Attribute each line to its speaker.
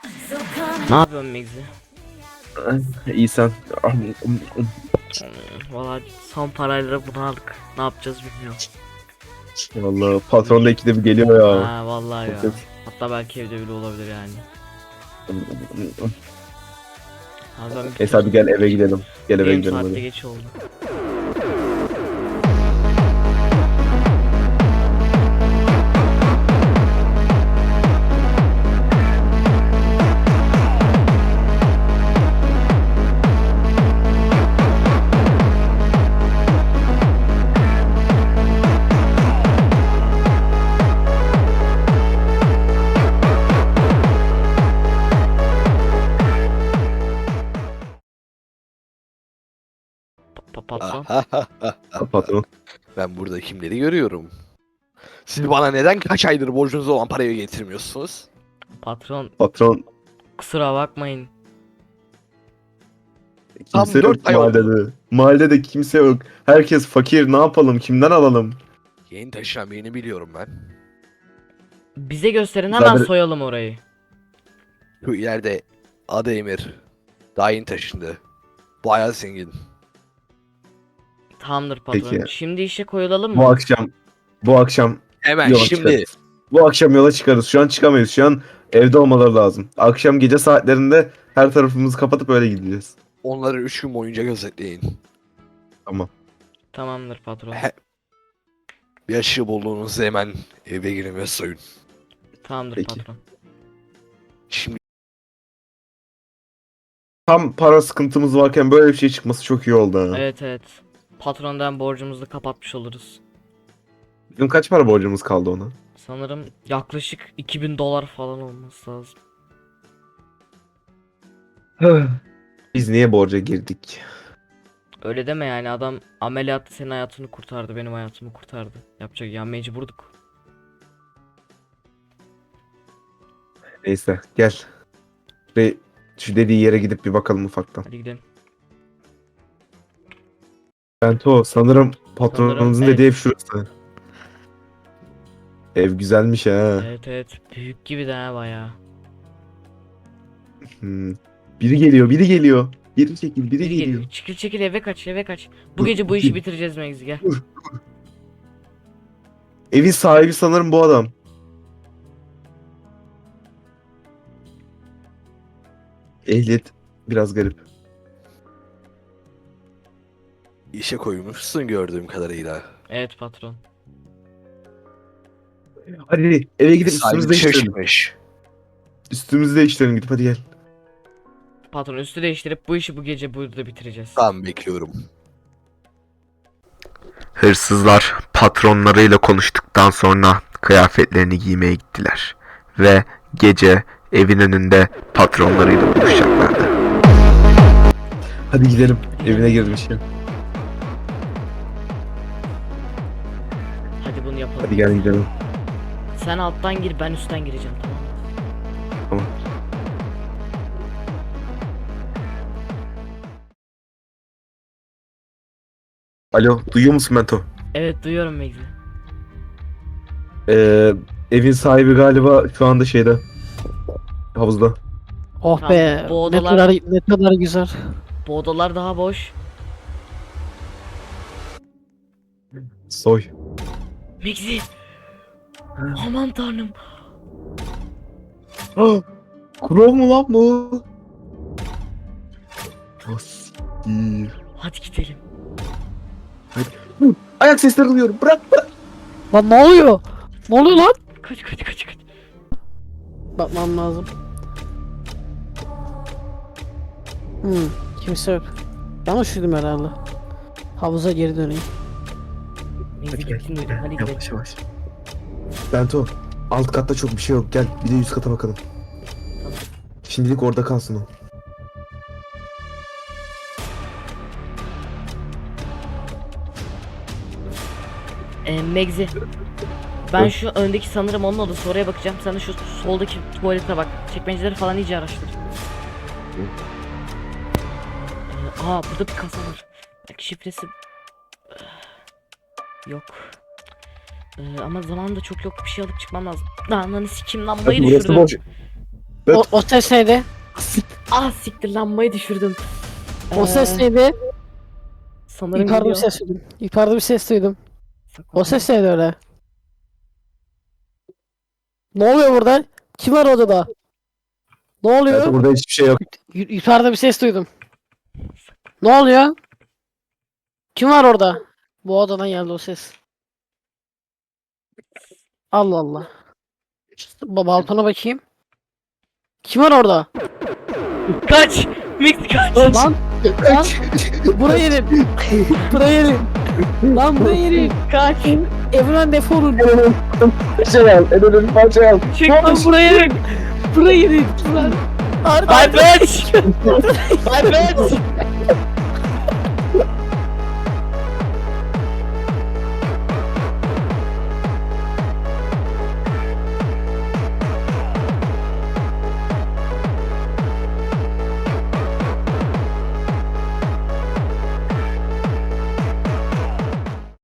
Speaker 1: Ne yapıyorsun Megzi?
Speaker 2: İyi sen.
Speaker 1: Valla son parayla bunu aldık. Ne yapacağız bilmiyorum.
Speaker 2: Vallahi patron da ikide bir geliyor ya.
Speaker 1: Ha vallahi ya.
Speaker 2: Evet.
Speaker 1: Hatta belki evde bile olabilir yani. Abi ben
Speaker 2: Neyse hadi gel eve gidelim. Gel eve
Speaker 1: Benim
Speaker 2: gidelim
Speaker 1: saatte
Speaker 2: hadi.
Speaker 1: geç oldu. Patron.
Speaker 2: Patron.
Speaker 3: Ben burada kimleri görüyorum? Siz bana neden kaç aydır borcunuz olan parayı getirmiyorsunuz?
Speaker 1: Patron
Speaker 2: Patron
Speaker 1: kusura bakmayın.
Speaker 3: Tam
Speaker 2: kimse
Speaker 3: 4
Speaker 2: yok
Speaker 3: ay oldu.
Speaker 2: mahallede. Mahallede kimse yok. Herkes fakir. Ne yapalım? Kimden alalım?
Speaker 3: Yeni taşınan birini biliyorum ben.
Speaker 1: Bize gösterin hemen
Speaker 2: Zaten-
Speaker 1: soyalım orayı.
Speaker 3: Şu ileride adı Emir. Daha yeni taşındı. Bayağı zengin.
Speaker 1: Tamamdır patron.
Speaker 2: Peki.
Speaker 1: Şimdi işe koyulalım
Speaker 2: Bu
Speaker 1: mı?
Speaker 2: akşam
Speaker 3: Hemen
Speaker 2: yola
Speaker 3: şimdi
Speaker 2: çıkarız. Bu akşam yola çıkarız. Şu an çıkamayız. Şu an evde olmaları lazım. Akşam gece saatlerinde her tarafımızı kapatıp öyle gideceğiz.
Speaker 3: onları 3 gün boyunca gözetleyin.
Speaker 2: Tamam.
Speaker 1: Tamamdır patron.
Speaker 3: Bir aşı bulduğunuzda hemen eve girin ve soyun.
Speaker 1: Tamamdır
Speaker 2: Peki.
Speaker 1: patron.
Speaker 3: Şimdi
Speaker 2: Tam para sıkıntımız varken böyle bir şey çıkması çok iyi oldu ha.
Speaker 1: Evet evet. Patrondan borcumuzu da kapatmış oluruz.
Speaker 2: Bizim kaç para borcumuz kaldı ona?
Speaker 1: Sanırım yaklaşık 2000 dolar falan olması lazım.
Speaker 2: Biz niye borca girdik?
Speaker 1: Öyle deme yani, adam ameliyatta senin hayatını kurtardı, benim hayatımı kurtardı. Yapacak ya, mecburduk.
Speaker 2: Neyse gel. Ve şu dediği yere gidip bir bakalım ufaktan.
Speaker 1: Hadi gidelim.
Speaker 2: Bento sanırım patronumuzun
Speaker 1: evet.
Speaker 2: dediği ev şurası. Ev güzelmiş ha.
Speaker 1: Evet evet, büyük gibi de ha bayağı.
Speaker 2: Hmm. Biri geliyor, biri geliyor. Geri çekil, biri
Speaker 1: Biri
Speaker 2: geliyor.
Speaker 1: geliyor. Çekil çekil, eve kaç eve kaç. Bu
Speaker 2: Dur,
Speaker 1: gece bu işi
Speaker 2: dur.
Speaker 1: bitireceğiz Megzi, gel.
Speaker 2: Evin sahibi sanırım bu adam. Ehliyet biraz garip.
Speaker 3: işe koymuşsun gördüğüm kadarıyla.
Speaker 1: Evet patron.
Speaker 2: Hadi eve gidip
Speaker 3: Sahibi
Speaker 2: üstümüzü
Speaker 3: dışarı
Speaker 2: değiştirelim.
Speaker 3: çıkmış.
Speaker 2: Üstümüzü değiştirelim gidip hadi gel.
Speaker 1: Patron üstü değiştirip bu işi bu gece burada bitireceğiz.
Speaker 3: Tamam, bekliyorum.
Speaker 4: Hırsızlar patronlarıyla konuştuktan sonra kıyafetlerini giymeye gittiler ve gece evin önünde patronlarıyla buluşacaklardı.
Speaker 2: Hadi gidelim. Evine girmiş ya.
Speaker 1: Hadi bunu yapalım.
Speaker 2: Hadi gel gidelim.
Speaker 1: Sen alttan gir, ben üstten gireceğim, tamam mı?
Speaker 2: Tamam. Alo, duyuyor musun Mento?
Speaker 1: Evet duyuyorum Megzi.
Speaker 2: Evin sahibi galiba şu anda şeyde. Havuzda.
Speaker 5: Oh
Speaker 1: Tamam,
Speaker 5: be,
Speaker 1: bu
Speaker 5: ne
Speaker 1: odalar-
Speaker 5: kadar ne kadar güzel.
Speaker 1: Bu odalar daha boş.
Speaker 2: Soy.
Speaker 1: Megzi. Aman tanrım.
Speaker 2: Kuro mu lan bu? Asiktir.
Speaker 1: Hadi gidelim.
Speaker 2: Ayak sesleri duyuyorum. Bırak.
Speaker 5: Lan ne oluyor? Ne oluyor lan?
Speaker 1: Kaç kaç kaç kaç.
Speaker 5: Bakmam lazım. Kimse yok. Yanlış duydum herhalde. Havuza geri döneyim.
Speaker 1: Megzi
Speaker 2: Hadi gel.
Speaker 1: gittin duydum, hadi gidelim.
Speaker 2: Yavaş yavaş. Bento. Alt katta çok bir şey yok. Gel bir de üst kata bakalım. Şimdilik orada kalsın o.
Speaker 1: Megzi. Ben şu öndeki sanırım onun odası, oraya bakacağım. Sen de şu soldaki tuvalete bak. Çekmeceleri falan iyice araştır. Burada bir kasa var. Belki şifresi... Yok. Ama zaman da çok yok. Bir şey alıp çıkmam lazım. Lan sikim, lambayı
Speaker 2: Burası
Speaker 1: düşürdüm.
Speaker 2: boş.
Speaker 5: O ses neydi?
Speaker 1: Ah siktir, lambayı düşürdüm.
Speaker 5: O ses neydi?
Speaker 1: Sanırım
Speaker 5: Yukarıda bir
Speaker 1: geliyor.
Speaker 5: ses duydum. Yukarıda bir ses duydum.
Speaker 1: Saklan.
Speaker 5: O ses neydi öyle? Ne oluyor burada? Kim var odada? Ne
Speaker 2: Evet,
Speaker 5: oluyor?
Speaker 2: burada hiçbir şey yok.
Speaker 5: Yukarıda bir ses duydum. Ne oluyor? Kim var orada? Bu odadan geldi o ses. Allah Allah. Balkona bakayım. Kim var orada?
Speaker 1: Kaç! Mix kaç!
Speaker 5: Lan! Lan! Buraya gelin! Buraya gelin! Lan buraya gelin! Kaç! Evren defolun!
Speaker 2: Parça al. En önemli parça al.
Speaker 1: Çık!
Speaker 5: Lan buraya gelin! Buraya gelin! Lan! Arda!
Speaker 1: Aybeç! Aybeç!